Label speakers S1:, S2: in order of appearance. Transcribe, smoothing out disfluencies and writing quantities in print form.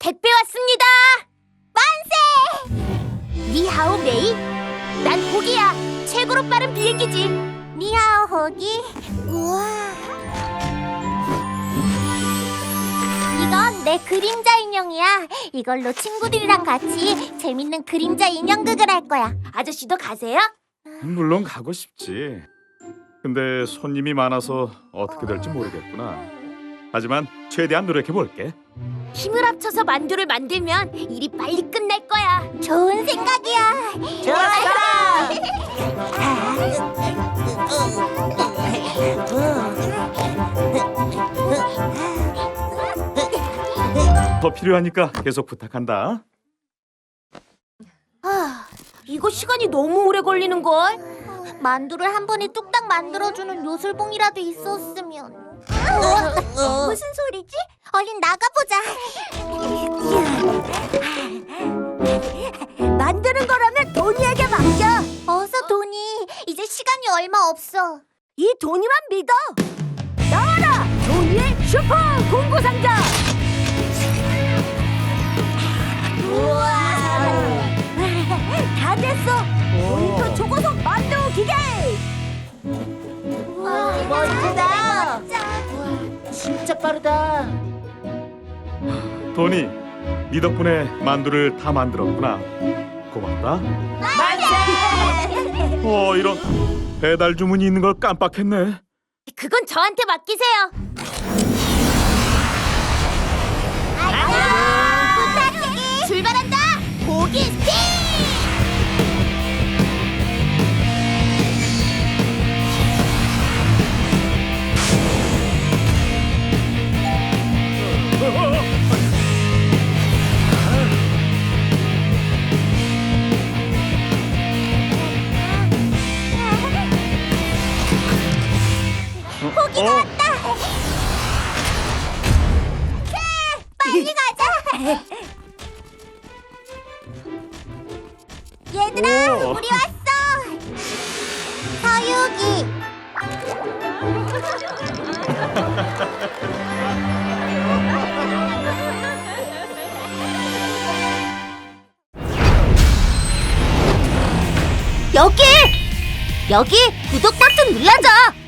S1: 택배 왔습니다. 만세! 니하오 메이. 난 호기야. 최고로 빠른 비행기지. 니하오 호기. 우와. 이건 내 그림자 인형이야. 이걸로 친구들이랑 같이 재밌는 그림자 인형극을 할 거야. 아저씨도 가세요?
S2: 물론 가고 싶지. 근데 손님이 많아서 어떻게 될지 모르겠구나. 하지만 최대한 노력해 볼게.
S1: 힘을 합쳐서 만두를 만들면 일이 빨리 끝날 거야. 좋은 생각이야.
S2: 더 필요하니까 계속 부탁한다.
S1: 이거 시간이 너무 오래 걸리는 걸. 만두를 한 번에 뚝딱 만들어주는 요술봉이라도 있었으면. 무슨 소리지? 얼른 나가보자. 만드는 거라면 도니에게 맡겨. 어서 도니. 이제 시간이 얼마 없어. 이 도니만 믿어. 나와라, 도니의 슈퍼 공구 상자. 우와. 다 됐어. 모니터 초고속 만두 기계. 와, 멋지다. 진짜 빠르다.
S2: 도니, 네 덕분에 만두를 다 만들었구나. 고맙다. 이런 배달 주문이 있는 걸 깜빡했네.
S1: 그건 저한테 맡기세요. 부탁해. 출발한다. 고기 스틱. 고기가 왔다. 빨리 가자. 얘들아,
S2: 오.
S1: 우리 왔어. 서유기. 여기 구독 버튼 눌러줘.